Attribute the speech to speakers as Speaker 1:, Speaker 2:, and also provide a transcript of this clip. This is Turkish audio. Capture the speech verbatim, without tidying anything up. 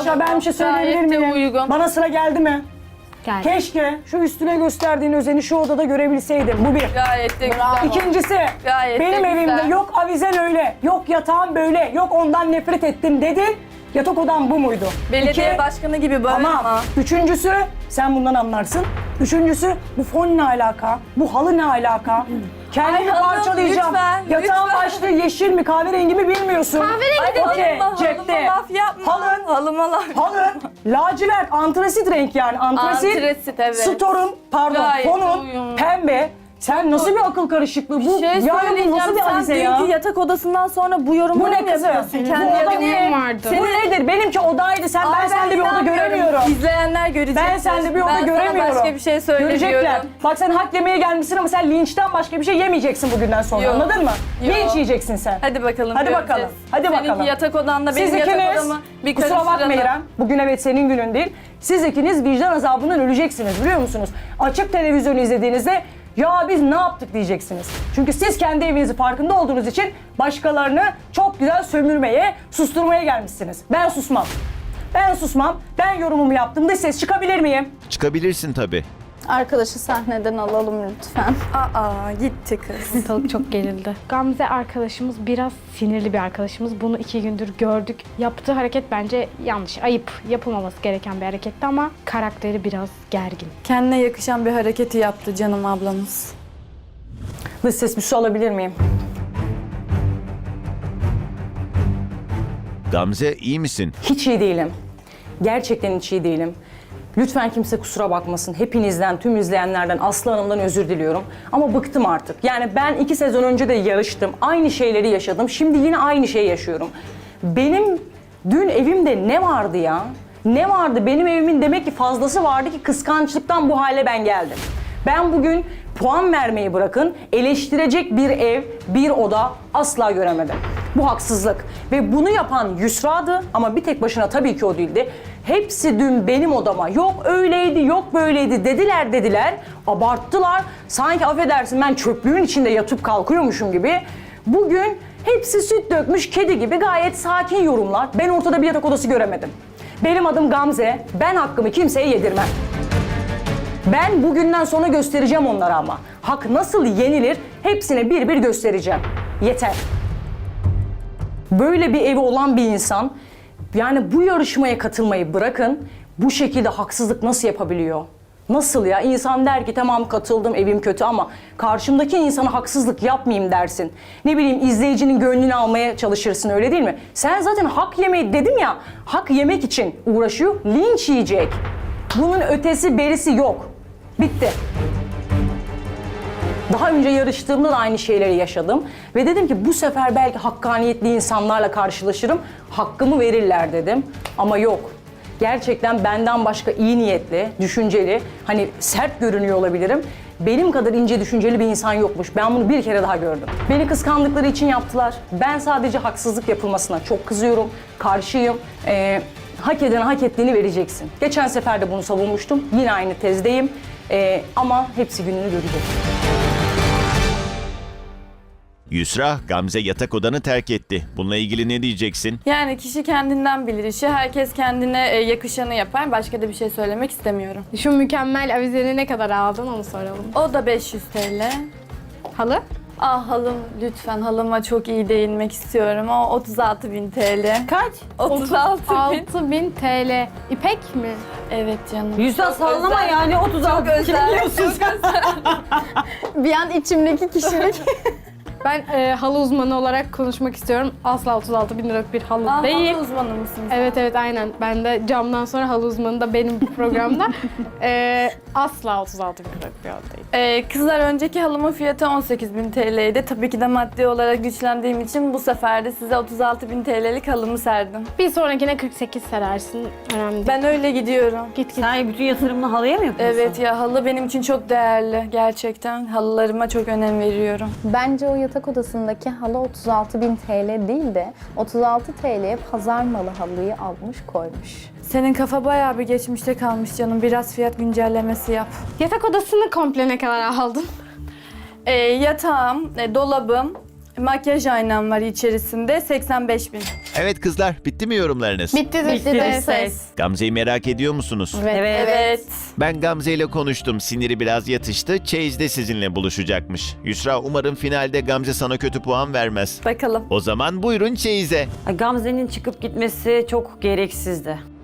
Speaker 1: Arkadaşlar ben bir şey söyleyebilir
Speaker 2: Gayet de
Speaker 1: miyim?
Speaker 2: uygun.
Speaker 1: Bana sıra geldi mi?
Speaker 3: Geldi.
Speaker 1: Keşke şu üstüne gösterdiğin özeni şu odada görebilseydim. Bu bir.
Speaker 2: Gayet de güzel.
Speaker 1: İkincisi,
Speaker 2: Gayet de
Speaker 1: benim
Speaker 2: güzel.
Speaker 1: evimde yok avizen öyle, yok yatağım böyle, yok ondan nefret ettim dedin. Yatak odam bu muydu?
Speaker 2: Belediye
Speaker 1: İki,
Speaker 2: başkanı gibi bağırma.
Speaker 1: ama üçüncüsü, sen bundan anlarsın. Üçüncüsü, bu fon ne alaka? Bu halı ne alaka? Kendimi
Speaker 2: Ay hanım,
Speaker 1: parçalayacağım.
Speaker 2: lütfen,
Speaker 1: Yatağın
Speaker 2: lütfen.
Speaker 1: başlığı yeşil mi, kahverengi mi bilmiyorsun.
Speaker 3: Kahverengi
Speaker 2: Ay
Speaker 1: Okey,
Speaker 2: halıma,
Speaker 1: cepte.
Speaker 2: halıma laf yapma.
Speaker 1: Halın,
Speaker 2: Halıma laf.
Speaker 1: halın, lacivert, antrasit renk yani. Antrasit,
Speaker 2: Antrasit, evet.
Speaker 1: storun, pardon,
Speaker 2: Gayet
Speaker 1: fonun,
Speaker 2: uyumlu.
Speaker 1: pembe. Sen nasıl bir akıl karışıklığı bu?
Speaker 2: Şey
Speaker 1: Yani bu
Speaker 2: söyleyeceğim,
Speaker 1: nasıl bir
Speaker 2: sen
Speaker 1: avize
Speaker 2: dünkü
Speaker 1: ya?
Speaker 2: yatak odasından sonra bu yorumları
Speaker 1: Bu ne
Speaker 2: mı
Speaker 1: kızım?
Speaker 2: yapıyorsun?
Speaker 1: Bu
Speaker 2: Kendi
Speaker 1: oda
Speaker 2: yatak-
Speaker 1: ne?
Speaker 3: vardı.
Speaker 1: Bu nedir? Benimki odaydı. Sen ben
Speaker 2: Ay,
Speaker 1: sende bir oda
Speaker 2: inanmıyorum.
Speaker 1: göremiyorum.
Speaker 2: İzleyenler görecek.
Speaker 1: Ben sende bir oda
Speaker 2: ben
Speaker 1: göremiyorum.
Speaker 2: sana başka bir şey söylemiyorum.
Speaker 1: Görecekler. Bak sen hak yemeye gelmişsin ama sen linçten başka bir şey yemeyeceksin bugünden sonra.
Speaker 2: Yok.
Speaker 1: Anladın mı?
Speaker 2: Yok.
Speaker 1: Linç yiyeceksin sen.
Speaker 2: Hadi bakalım.
Speaker 1: Hadi
Speaker 2: göreceğiz.
Speaker 1: bakalım. Hadi
Speaker 2: Seninki
Speaker 1: bakalım.
Speaker 2: yatak odanla benim
Speaker 1: Siz
Speaker 2: yatak
Speaker 1: ikiniz,
Speaker 2: odamı bir
Speaker 1: kusura bakma
Speaker 2: karıştıralım.
Speaker 1: İrem, bugün evet senin günün değil. Siz ikiniz vicdan azabından öleceksiniz biliyor musunuz? Açık televizyonu izlediğinizde ya biz ne yaptık diyeceksiniz. Çünkü siz kendi evinizin farkında olduğunuz için başkalarını çok güzel sömürmeye, susturmaya gelmişsiniz. Ben susmam. Ben susmam. Ben yorumumu yaptım. Dış ses çıkabilir miyim?
Speaker 4: Çıkabilirsin tabii.
Speaker 5: Arkadaşı sahneden alalım lütfen.
Speaker 2: Aa gitti kız.
Speaker 3: Ortalık çok gerildi. Gamze arkadaşımız biraz sinirli bir arkadaşımız. Bunu iki gündür gördük. Yaptığı hareket bence yanlış, ayıp. Yapılmaması gereken bir hareketti ama karakteri biraz gergin.
Speaker 2: Kendine yakışan bir hareketi yaptı canım ablamız.
Speaker 1: Dış ses bir su alabilir miyim?
Speaker 4: Gamze iyi misin?
Speaker 1: Hiç iyi değilim. Gerçekten hiç iyi değilim. Lütfen kimse kusura bakmasın. Hepinizden, tüm izleyenlerden, Aslı Hanım'dan özür diliyorum. Ama bıktım artık. Yani ben iki sezon önce de yarıştım. Aynı şeyleri yaşadım. Şimdi yine aynı şeyi yaşıyorum. Benim dün evimde ne vardı ya? Ne vardı? Benim evimin demek ki fazlası vardı ki kıskançlıktan bu hale ben geldim. Ben bugün puan vermeyi bırakın, eleştirecek bir ev, bir oda asla göremedim. Bu haksızlık. Ve bunu yapan Yusra'dı ama bir tek başına tabii ki o değildi. Hepsi dün benim odama yok öyleydi, yok böyleydi dediler dediler. Abarttılar. Sanki affedersin ben çöplüğün içinde yatıp kalkıyormuşum gibi. Bugün hepsi süt dökmüş kedi gibi gayet sakin yorumlar. Ben ortada bir yatak odası göremedim. Benim adım Gamze. Ben hakkımı kimseye yedirmem. Ben bugünden sonra göstereceğim onlara ama. Hak nasıl yenilir hepsine bir bir göstereceğim. Yeter. Böyle bir evi olan bir insan yani bu yarışmaya katılmayı bırakın bu şekilde haksızlık nasıl yapabiliyor? Nasıl ya? İnsan der ki tamam katıldım evim kötü ama karşımdaki insana haksızlık yapmayayım dersin. Ne bileyim izleyicinin gönlünü almaya çalışırsın öyle değil mi? Sen zaten hak yemeyi dedim ya hak yemek için uğraşıyor linç yiyecek. Bunun ötesi berisi yok. Bitti. Daha önce yarıştığımda da aynı şeyleri yaşadım. Ve dedim ki bu sefer belki hakkaniyetli insanlarla karşılaşırım. Hakkımı verirler dedim. Ama yok. Gerçekten benden başka iyi niyetli, düşünceli, hani sert görünüyor olabilirim. Benim kadar ince düşünceli bir insan yokmuş. Ben bunu bir kere daha gördüm. Beni kıskandıkları için yaptılar. Ben sadece haksızlık yapılmasına çok kızıyorum. Karşıyım. Ee, hak edene hak ettiğini vereceksin. Geçen sefer de bunu savunmuştum. Yine aynı tezdeyim. Ee, ama hepsi gününü görecek.
Speaker 4: Yusra, Gamze yatak odanı terk etti. Bununla ilgili ne diyeceksin?
Speaker 2: Yani kişi kendinden bilir işi. Herkes kendine e, yakışanı yapar. Başka da bir şey söylemek istemiyorum.
Speaker 3: Şu mükemmel avizeni ne kadar aldın onu soralım.
Speaker 2: O da beş yüz T L.
Speaker 3: Halı?
Speaker 2: Ah halım lütfen halıma çok iyi değinmek istiyorum. O otuz altı bin T L.
Speaker 1: Kaç?
Speaker 2: otuz altı bin.
Speaker 3: altı bin T L. İpek mi?
Speaker 2: Evet canım.
Speaker 1: Yüzden
Speaker 2: Çok
Speaker 1: sallama
Speaker 2: özel.
Speaker 1: yani otuz altı.
Speaker 2: Çok özel.
Speaker 1: biliyorsun sen.
Speaker 5: Bir an içimdeki kişilik.
Speaker 3: Ben e, halı uzmanı olarak konuşmak istiyorum. Asla otuz altı bin liralık bir halı
Speaker 2: Ah,
Speaker 3: değil.
Speaker 2: halı uzmanı mısınız?
Speaker 3: Evet evet aynen. Ben de camdan sonra halı uzmanı da benim programda. e, asla otuz altı bin liralık bir halı değil.
Speaker 2: Ee, kızlar önceki halımın fiyatı on sekiz bin T L'ydi. Tabii ki de maddi olarak güçlendiğim için bu sefer de size otuz altı bin T L'lik halımı serdim.
Speaker 3: Bir sonrakine kırk sekiz serersin. Önemli değil.
Speaker 2: Ben öyle gidiyorum.
Speaker 3: Git git.
Speaker 6: Sen bütün yatırımını halıya mı yapıyorsun?
Speaker 2: Evet ya halı benim için çok değerli gerçekten. Halılarıma çok önem veriyorum.
Speaker 5: Bence o yatak odasındaki halı otuz altı bin T L değil de otuz altı T L'ye pazar malı halıyı almış koymuş.
Speaker 2: Senin kafa bayağı bir geçmişte kalmış canım. Biraz fiyat güncellemesi yap.
Speaker 3: Yatak odasını komple ne kadar aldın?
Speaker 2: Ee, yatağım, e, dolabım, makyaj aynam var içerisinde seksen beş bin.
Speaker 4: Evet kızlar, bitti mi yorumlarınız?
Speaker 3: Bitti de
Speaker 2: Bitti de ses.
Speaker 4: Gamze'yi merak ediyor musunuz?
Speaker 3: Evet.
Speaker 2: Evet.
Speaker 4: Ben Gamze ile konuştum. Siniri biraz yatıştı. Çeyiz'de sizinle buluşacakmış. Yusra, umarım finalde Gamze sana kötü puan vermez.
Speaker 2: Bakalım.
Speaker 4: O zaman buyurun çeyize.
Speaker 6: Gamze'nin çıkıp gitmesi çok gereksizdi.